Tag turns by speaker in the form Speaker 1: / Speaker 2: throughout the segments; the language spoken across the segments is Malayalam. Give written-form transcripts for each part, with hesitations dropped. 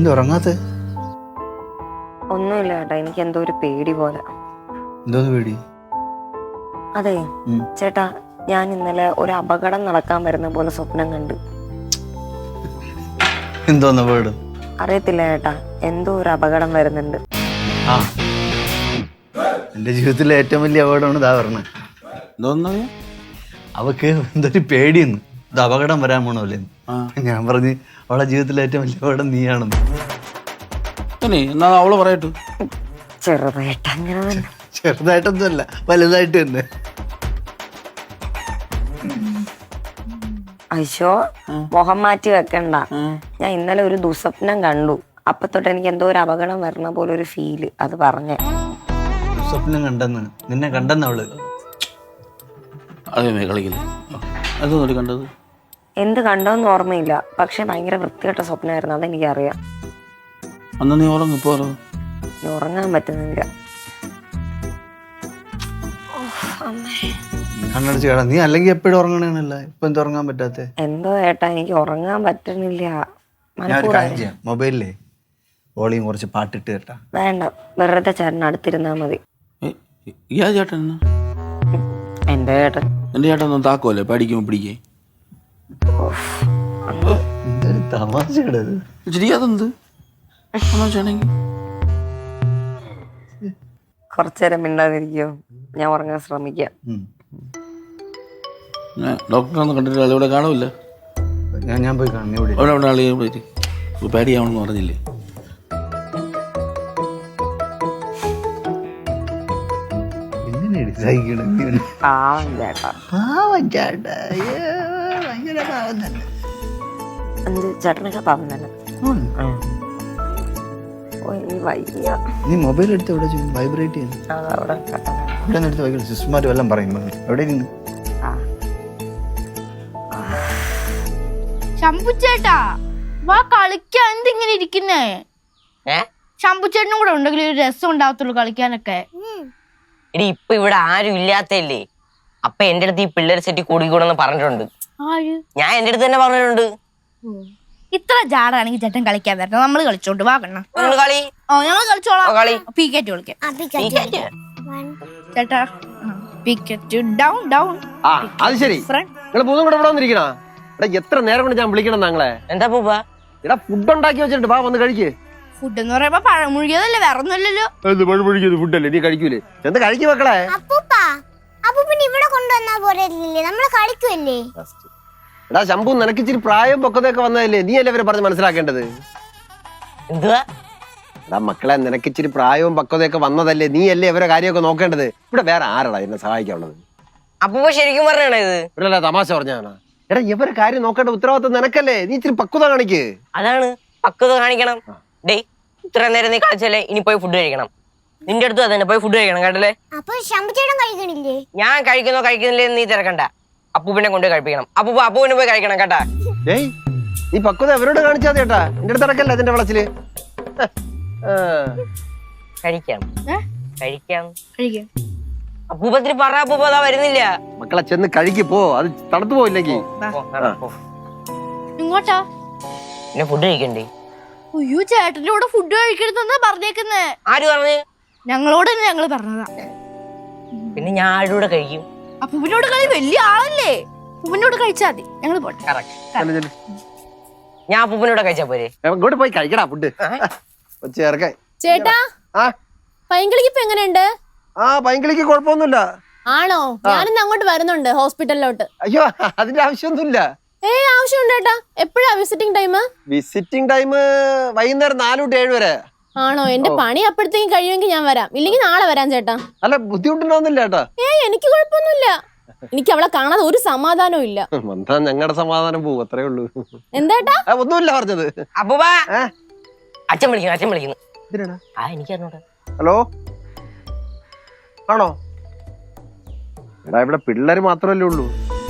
Speaker 1: ഉറങ്ങാത്ത?
Speaker 2: ഒന്നുമില്ല ചേട്ടാ, എനിക്ക് എന്തോ ഒരു പേടി പോലെ.
Speaker 1: എന്തോന്ന് പേടി?
Speaker 2: അതെ ചേട്ടാ, ഞാൻ ഇന്നലെ ഒരു അപകടം നടക്കാൻ വരുന്ന പോലെ സ്വപ്നം കണ്ടു.
Speaker 1: എന്തോന്ന് അപകടം?
Speaker 2: അറിയത്തില്ല ചേട്ടാ, എന്തോ ഒരു അപകടം വരുന്നുണ്ട്.
Speaker 1: ആ, എന്റെ ജീവിതത്തിലെ ഏറ്റവും വലിയ അപകടമാണ് ഇതാ പറഞ്ഞത്.
Speaker 3: എന്തോന്നു?
Speaker 1: അവക്ക് എന്തൊരു പേടിയെന്ന്, ഇത് അപകടം വരാൻ പോണല്ലേ. ഞാൻ പറഞ്ഞ് അവളെ ജീവിതത്തിലെ ഏറ്റവും വലിയ അപകടം നീയാണെന്ന്.
Speaker 3: എന്നാ അവള് പറയട്ടു.
Speaker 2: ചെറുതായിട്ട് അങ്ങനെ തന്നെ.
Speaker 1: ചെറുതായിട്ടൊന്നുമല്ല, വലുതായിട്ട് തന്നെ.
Speaker 2: അയ്യോ, മുഖം മാറ്റി വെക്കണ്ട. ഞാൻ ഇന്നലെ ഒരു ദുസ്വപ്നം കണ്ടു. അപ്പൊ തൊട്ട് എനിക്ക് എന്തോ ഒരു അപകടം വരണ പോലെ ഒരു ഫീല്. അത് പറഞ്ഞേ.
Speaker 1: സ്വപ്നം കണ്ടെന്ന്, നിന്നെ കണ്ടെന്ന് അവള്.
Speaker 3: അതേ കളിക്കില്ല. അതൊന്നും കണ്ടത്
Speaker 2: എന്ത് കണ്ടോന്ന് ഓർമ്മയില്ല, പക്ഷെ ഭയങ്കര വൃത്തികെട്ട സ്വപ്നമായിരുന്നു. അതെനിക്കറിയാം.
Speaker 3: അന്ന് നീ ഉറങ്ങും, ഇപ്പൊ
Speaker 2: ഉറങ്ങാൻ പറ്റുന്നില്ല.
Speaker 1: കണ്ണടച്ച് കേടാ. നീ അല്ലെങ്കിൽ എപ്പോഴും ഉറങ്ങണേന്നല്ല, ഇപ്പൊ എന്താ ഉറങ്ങാൻ പറ്റാത്ത?
Speaker 2: എന്തോ ഏട്ടാ, എനിക്ക് ഉറങ്ങാൻ പറ്റുന്നില്ല.
Speaker 1: മൊബൈലിലെ വോളിയം കുറച്ച് പാട്ടിട്ട് കേട്ടാ.
Speaker 2: വേണ്ട, വെറുതെ ചേട്ടൻ അടുത്തിരുന്നാ മതി.
Speaker 3: ചേട്ടൻ
Speaker 2: എന്റെ ചേട്ടൻ.
Speaker 3: എന്റെ ചേട്ടൻ ഒന്നും താക്കോല്ലേ പഠിക്കുമ്പോ പിടിക്കേ.
Speaker 1: തമാശ
Speaker 3: അതെന്ത്
Speaker 2: കുറച്ചേരം മിണ്ടാതിരിക്കോ, ഞാൻ ഉറങ്ങാൻ ശ്രമിക്കാം.
Speaker 3: ഡോക്ടറെ ഒന്നും കണ്ടിട്ടില്ല, ഇവിടെ കാണൂല.
Speaker 1: ഞാൻ പോയി കാണും.
Speaker 3: അവിടെ അവിടെ ആളെ പേടിയാവണമെന്ന് പറഞ്ഞില്ലേ?
Speaker 2: പാവം ചേട്ടാ. ചേട്ടനൊക്കെ പാവം തന്നെ.
Speaker 1: നീ മൊബൈൽ എടുത്ത് എവിടെ വൈബ്രേറ്റ് ചെയ്യുന്നു? ഇവിടെ എടുത്ത് വൈകിട്ട് സിസ്റ്റർമാർ വല്ലതും പറയുമ്പോ എവിടെ ഇരുന്ന്?
Speaker 4: ശംഭുച്ചേട്ടാ വാ കളിക്കാൻ. എന്തിങ്ങനെ ഇരിക്കുന്നേ? ശംഭുച്ചേട്ടനും കൂടെ ഉണ്ടെങ്കിൽ ഒരു രസം ഉണ്ടാവത്തുള്ളൂ കളിക്കാനൊക്കെ.
Speaker 5: എടി ഇപ്പൊ ഇവിടെ ആരും ഇല്ലാത്തല്ലേ, അപ്പൊ എന്റെ അടുത്ത് ഈ പിള്ളേർ സെറ്റ് കൂടിക്കൂടെന്ന് പറഞ്ഞിട്ടുണ്ട്. ഞാൻ എന്റെ അടുത്ത് തന്നെ പറഞ്ഞിട്ടുണ്ട്.
Speaker 4: ഇത്ര ജാടാണെങ്കിൽ ചേട്ടൻ കളിക്കാൻ വരണം, നമ്മള് കളിച്ചോണ്ട് വാ കണ്ണ.
Speaker 5: കളി
Speaker 4: ഞങ്ങൾ കളിച്ചോളാം. പീക്കറ്റ് കളിക്കാം ചേട്ടാ. പീക്കറ്റ് ഡൗൺ ഡൗൺ.
Speaker 6: അത് ശരി, നിങ്ങൾ മൂന്നും കൂടെ ഇവിടെ വന്നിരിക്കണ. എത്ര നേരം കൊണ്ട് ഞാൻ വിളിക്കണം താങ്കളെ.
Speaker 5: എന്താ പൂപ്പ?
Speaker 6: എടാ ഫുഡ് ഉണ്ടാക്കി വെച്ചിട്ടുണ്ട്, വാ വന്ന് കഴിക്ക്.
Speaker 4: ഫുഡ് എന്ന് പറയുമ്പോ പഴമുഴുകിയതല്ലേ, വേറെ ഒന്നുമല്ലല്ലോ.
Speaker 6: പഴമുഴുകിയത് ഫുഡല്ലേ, നീ കഴിക്കൂലേ? എന്ത് കഴിക്കു മക്കളെ?
Speaker 7: ഇവിടെ കൊണ്ടുവന്നാ പോരല്ലേ, നമ്മള് കളിക്കുമല്ലേ.
Speaker 6: എടാ ശംഭു, നിനക്ക് ഇച്ചിരി പ്രായം പൊക്കതൊക്കെ വന്നതല്ലേ, നീ അല്ലേ ഇവരെ പറഞ്ഞ് മനസ്സിലാക്കേണ്ടത്.
Speaker 5: എന്തുവാ?
Speaker 6: എടാ മക്കളെ, നിനക്ക് ഇച്ചിരി പ്രായവും പക്വതയൊക്കെ വന്നതല്ലേ, നീ അല്ലേ ഇവരെ കാര്യമൊക്കെ നോക്കേണ്ടത്. ഇവിടെ വേറെ ആരടാ എന്നെ സഹായിക്കാനുള്ളത്?
Speaker 5: അപ്പൊ ശരിക്കും പറഞ്ഞാണ് ഇത്?
Speaker 6: ഇവിടെ തമാശ പറഞ്ഞാണ്. എടാ ഇവരെ കാര്യം നോക്കേണ്ട ഉത്തരവാദിത്വം നിനക്കല്ലേ, നീ ഇച്ചിരി പക്വത കാണിക്ക്.
Speaker 5: അതാണ്, പക്വത കാണിക്കണം. ഡേയ്, ഇത്ര നേരം നീ കളിച്ചല്ലേ, ഇനി പോയി ഫുഡ് കഴിക്കണം. നിന്റെ അടുത്ത് അതന്നെ, പോയി ഫുഡ് കഴിക്കണം കേട്ടല്ലേ.
Speaker 7: അപ്പൊ ശംഭുച്ചേട്ടൻ കഴിക്കണില്ലേ?
Speaker 5: ഞാൻ കഴിക്കുന്നോ കഴിക്കുന്നില്ലേ നീ തിരക്കണ്ട. അപ്പൂപ്പിനെ കൊണ്ടുപോയി കഴിപ്പിക്കണം. അപ്പൂപ്പിനെ പോയി കഴിക്കണം കേട്ടാ.
Speaker 6: ഏയ്, നീ പക്വത അവരോട് കാണിച്ചാ ചേട്ടാ, എന്റെ അടുത്ത് ഇടക്കല്ല അതിന്റെ വളച്ചില്.
Speaker 5: കഴിക്കാം കഴിക്കാം കഴിക്കാം. അപ്പൂപ്പത്തിന് പറ, അപ്പൂപ്പ അതാ വരുന്നില്ല.
Speaker 6: മക്കളെ ചെന്ന് കഴിക്ക് പോ, അത് തണുത്തു പോയില്ലെങ്കിൽ.
Speaker 4: ഇങ്ങോട്ടാ
Speaker 5: പിന്നെ ഫുഡ് കഴിക്കണ്ടേ?
Speaker 4: അയ്യോ, ചേട്ടന്റെ കൂടെ ഫുഡ് കഴിക്കരുതെന്നാ പറഞ്ഞേക്കുന്നേ.
Speaker 5: ആര് പറഞ്ഞു?
Speaker 4: ഞങ്ങളോട് തന്നെ ഞങ്ങള് പറഞ്ഞതാ.
Speaker 5: പിന്നെ ഞാൻ ആരുടെ കൂടെ കഴിക്കും?
Speaker 4: അപ്പൂപ്പിനോട് കളി വലിയ ആളല്ലേ, അപ്പൂപ്പിനോട് കഴിച്ചാ മതി. ഞങ്ങള് പോട്ടെ.
Speaker 5: ഞാൻ അപ്പൂപ്പിനോട് കഴിച്ചാ പോരെ?
Speaker 6: ഇങ്ങോട്ട് പോയി കഴിക്കടാ ഫുഡ്.
Speaker 8: ചേട്ടാ, പൈങ്കിളിക്ക് ഇപ്പൊ എങ്ങനെയുണ്ട്?
Speaker 6: ആ, പൈങ്കിളിക്ക് കുഴപ്പമൊന്നുമില്ല.
Speaker 8: ആണോ? ഞാനിന്ന് അങ്ങോട്ട് വരുന്നുണ്ട് ഹോസ്പിറ്റലിലോട്ട്.
Speaker 6: അയ്യോ, അതിന്റെ ആവശ്യമൊന്നുമില്ല.
Speaker 8: ആവശ്യമുണ്ട് ചേട്ടാ. എപ്പോഴാ വിസിറ്റിംഗ് ടൈം?
Speaker 6: വിസിറ്റിംഗ് ടൈം വൈകുന്നേരം 4 to 7 വരെ.
Speaker 8: ആണോ? എന്റെ പണി അപ്പോഴത്തേക്കും കഴിയുമെങ്കിൽ ഞാൻ വരാം, ഇല്ലെങ്കിൽ നാളെ വരാം ചേട്ടാ.
Speaker 6: അല്ല, ബുദ്ധിമുട്ടുണ്ടാവുന്നില്ല ചേട്ടാ.
Speaker 8: എനിക്ക് കുഴപ്പമൊന്നുമില്ല. എനിക്ക് അവളെ കാണാതെ ഒരു സമാധാനവും ഇല്ല.
Speaker 6: ഞങ്ങളുടെ സമാധാനം പോവും, അത്രേ ഉള്ളൂ.
Speaker 8: എന്താ
Speaker 6: ഒന്നുമില്ല പറഞ്ഞത്.
Speaker 5: അപ്പൂപ്പ, അച്ഛൻ വിളിക്കുന്നു. എനിക്കറിഞ്ഞൂടാ.
Speaker 6: ഹലോ, ആണോ? എടാ ഇവിടെ പിള്ളേര് മാത്രമല്ലേ ഉള്ളൂ.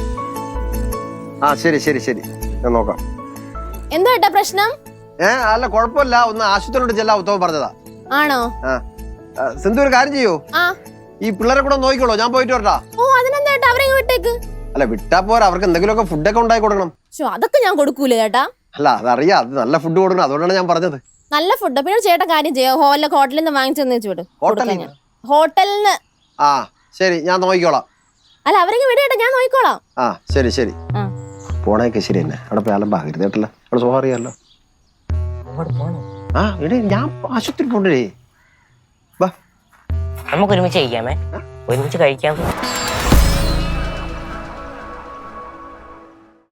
Speaker 6: ആ ശരി ശരി ശരി, ഞാൻ നോക്കാം.
Speaker 8: എന്താ ഏട്ടാ പ്രശ്നം?
Speaker 6: അല്ല കുഴപ്പമില്ല, ഒന്ന് ആശുപത്രിയിലോട്ട് ചെല്ലാ ഉത്തമം പറഞ്ഞതാ.
Speaker 8: ആണോ?
Speaker 6: സിന്ധു ഒരു കാര്യം ചെയ്യൂ, ഈ പിള്ളേരെ കൂടെ നോക്കിക്കോളൂ, ഞാൻ പോയിട്ട് വരട്ടാ.
Speaker 8: അതിനെന്താ ഏട്ടാ, അവരെ വിട്ടേക്ക്.
Speaker 6: അല്ല വിട്ടാ പോരാ, അവർക്ക് എന്തെങ്കിലുമൊക്കെ ഫുഡൊക്കെ ഉണ്ടാക്കി കൊടുക്കണം.
Speaker 8: അതൊക്കെ ഞാൻ കൊടുക്കൂല ചേട്ടാ.
Speaker 6: അല്ല അതറിയാം, അത് നല്ല ഫുഡ് കൊടുക്കണം, അതുകൊണ്ടാണ് ഞാൻ പറഞ്ഞത്.
Speaker 8: നല്ല ഫുഡ്. പിന്നെ ഒരു ചേട്ടൻ കാര്യം ചെയ്യോ, ഹോട്ടലിൽ നിന്ന് വാങ്ങിച്ചെന്ന് വെച്ച് വിടും.
Speaker 6: ഹോട്ടലിൽ നിന്ന്?
Speaker 8: ഹോട്ടലിൽ നിന്ന്.
Speaker 6: ആ ശരി, ഞാൻ നോക്കിക്കോളാം.
Speaker 8: അല്ല അവരെങ്കിൽ വിടേട്ടാ, ഞാൻ നോക്കിക്കോളാം.
Speaker 6: ആ ശരി ശരി.
Speaker 8: ആ.
Speaker 6: പോണേക്കെ ശരി തന്നെ. അവിടെ പോയി അലമ്പാകരുത് കേട്ടല്ലോ. അവിടെ സ്വഭാവം അറിയാമല്ലോ. ആ എടേ, ഞാൻ ആശുപത്രി പോണ്ടേ.
Speaker 5: നമുക്ക് ഒരുമിച്ച് കഴിക്കാമേ, ഒരുമിച്ച് കഴിക്കാം.